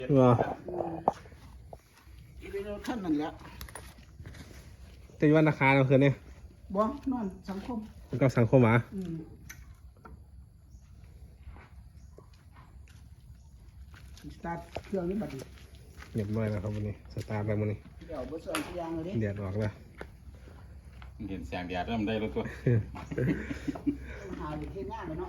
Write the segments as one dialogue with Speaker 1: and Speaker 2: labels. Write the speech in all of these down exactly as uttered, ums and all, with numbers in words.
Speaker 1: ว่า
Speaker 2: เป็นรถขั้นนั่นแหละ
Speaker 1: จะอยู่วันราคาเราคืนนี้
Speaker 2: บ่นอนสังคม
Speaker 1: มันก็สังคมหมา
Speaker 2: อืมสตาร์ทเครื่องนี้บัดนี้
Speaker 1: เรียบร้อยแล้วครับวันนี้สตาร์ทแล้ววันนี้
Speaker 2: เดี๋ยวบ่สอนทุกอย่างเลยดิ
Speaker 1: เดือดออกแล้ว
Speaker 3: เห็นแสงแดดเริ่มได้แล้วตัว
Speaker 2: หาอยู่ที่หน้าเลยเนาะ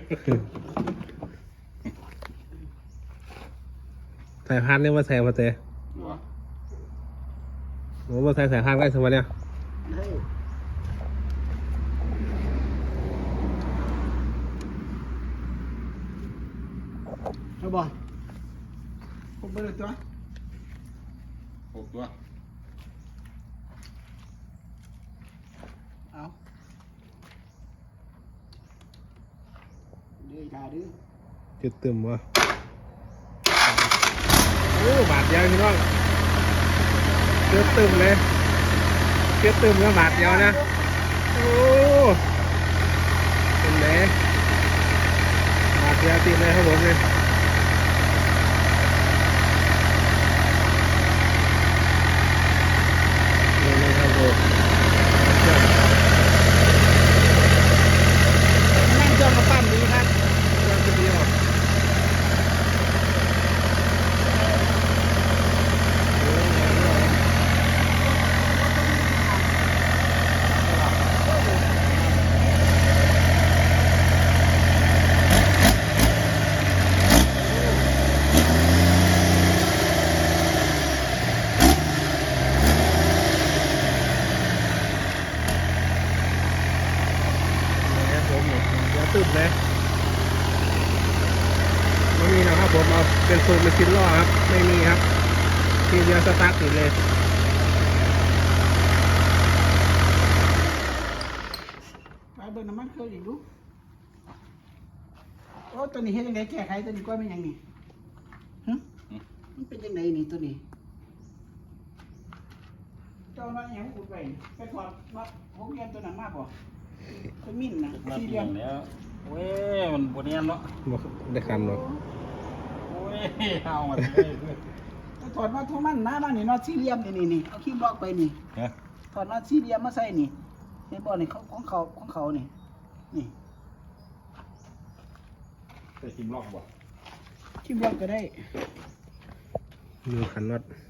Speaker 1: ใส่พันเนี่ยว่าใส่พอเตะโอ้ว่าใส่ใส่พันได้สมัยเนี่ย
Speaker 2: เฮ้ยเอาบ่ผมไปเลยตัว
Speaker 3: หกตัว
Speaker 2: เอาดื้อขาดื้อ
Speaker 1: จุดตึมวะโอ้บาทเดียวพี่น้องจุดตึมเลยจุดตึมก็บาทเดียวนะโอ้เป็นไงบาทเดียวติดเลยครับผมเนี่ยนี่นะครับผม
Speaker 2: นั่งจ้องกับปั้มดีครับ
Speaker 1: เรื่องที่ดีออกนะครับผมเนี่ยเดี๋ยวตึบเลยไม่มีนะครับผมเอาเป็นสูตรมาชิ้นล่อครับไม่มีครับทีเดียวสตาร์ทติดเลย
Speaker 2: ไปเบิ่งน้ำมันเครื่องอีกดูโอ้ตัวนี้เฮ็ดยังไงแก้ไขตัวนี้ก็ไม่ยังนี่ฮะมันเป็นยังไงนี่ตัวนี้เจ้าน้อยยังอุดไว้ไปถอดน็อตหกเหลี่ยมตัวนั้นมาบ่ตัวมิ่นนะ
Speaker 3: นัด
Speaker 2: สี่เห
Speaker 3: เลี้
Speaker 2: ลี่
Speaker 3: ย
Speaker 2: ย
Speaker 3: ง
Speaker 2: ม
Speaker 3: แล้วเว้ยมันบนเนียนเนาะ
Speaker 1: บอกได้คำหรอก
Speaker 3: โอ้ยเอามาเลย
Speaker 2: ไปถอดน็อตทั้งมันนะมันนี่น็อตสี่เหลี่ยมนี่นี่นี่เอาขี้บล็อกไปนี่
Speaker 3: ฮะ
Speaker 2: ถอดน็อตสี่เหลี่ยมมาใส่นี่ในบ่อนี่เขาของเขาของเขานี่นี่
Speaker 3: ใส่ทิมล็อกบ่
Speaker 2: ขี้บล็อกก็ได้
Speaker 1: ดูขันน็อต